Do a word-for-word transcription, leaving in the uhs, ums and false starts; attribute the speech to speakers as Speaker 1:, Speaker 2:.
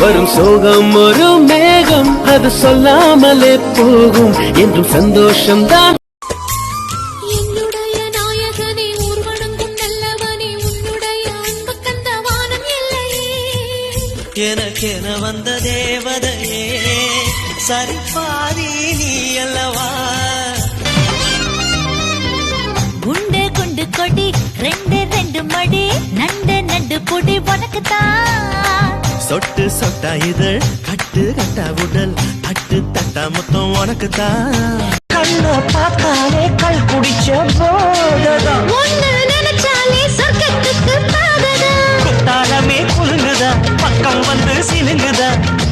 Speaker 1: வரும் சோகம் ஒரு மேகம் அது சொல்லாமலே போகும் என்றும் சந்தோஷம் தான்.
Speaker 2: என்னுடைய நாயகனே ஊர்வனங்கும் நல்லவனே உன்னுடைய அன்பு கண்ட வானம் இல்லையே
Speaker 3: எனக்கென வந்த தேவதையே சரிபாதி நீ அல்லவா
Speaker 2: குண்டு குண்டு கொடி ரெண்டு ரெண்டு மடி நண்டு நண்டு பொடி உனக்கு தான்
Speaker 3: சொட்டு சொட்டா இதழ் கட்டு கட்டா உடல் தட்டு தட்டா மொத்தம் உனக்கு தான் கண்ண பார்த்தாலே கல் குடிச்ச போததான்
Speaker 2: ஒன்னு நினைச்சாலே சொர்க்கத்துக்கு பாததான்
Speaker 3: தாளமே குலுங்குதா பக்கம் வந்து சிலுங்குதா